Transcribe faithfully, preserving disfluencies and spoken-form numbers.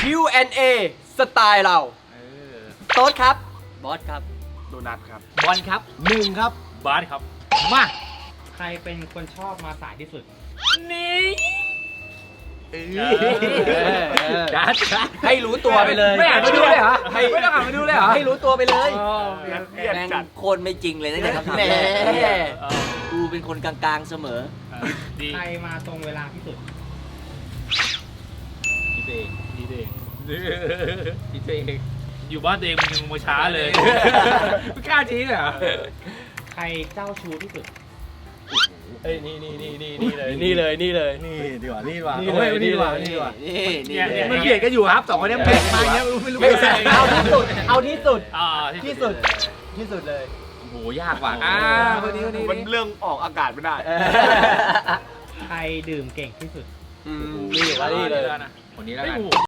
คิว แอนด์ เอ สไตล์เราเออโต๊ดครับ บอสครับโดนัทครับบอลครับหนึ่งครับบาสครับมาใครเป็นคนชอบมาสายที่สุดนี่จัดให้รู้ตัวไปเลยไม่อ่านมาดูเลยเหรอให้ไม่ต้องอ่านมาดูเลยเหรอให้รู้ตัวไปเลยเครียดแม่งจัดโคตรไม่จริงเลยตั้งแต่คำถามแหมแรกเออกูเป็นคนกลางๆเสมอเออดีใครมาตรงเวลาที่สุดดีเองดีเองดีเองอยู่บ้านตัวเองมึงยังมาช้าเลยไม่กล้าชี้เลยเหรอใครเจ้าชู้ที่สุดเอ้ยนี่นี่นี่นี่นี่เลยนี่เลยนี่เลยนี่ดีกว่านี่ดีกว่านี่โอ้ยเลยนี่ดีกว่านี่นี่เลยดีกว่านี่นี่เนี่ยมันเบียดกันอยู่ครับสองคนเนี้ยเบียดมาอย่างเงี้ยไม่รู้ไม่ใช่ไม่เอาเอาที่สุด เอาที่สุดอ่าที่สุด ที่สุดเลยโอ้โหยากว่ะอ่าคนนี้คนนี้มันเรื่องออกอากาศไม่ได้ใครดื่มเก่งที่สุดอืมนี่แล้วนี่เลยคนนี้แล้วกัน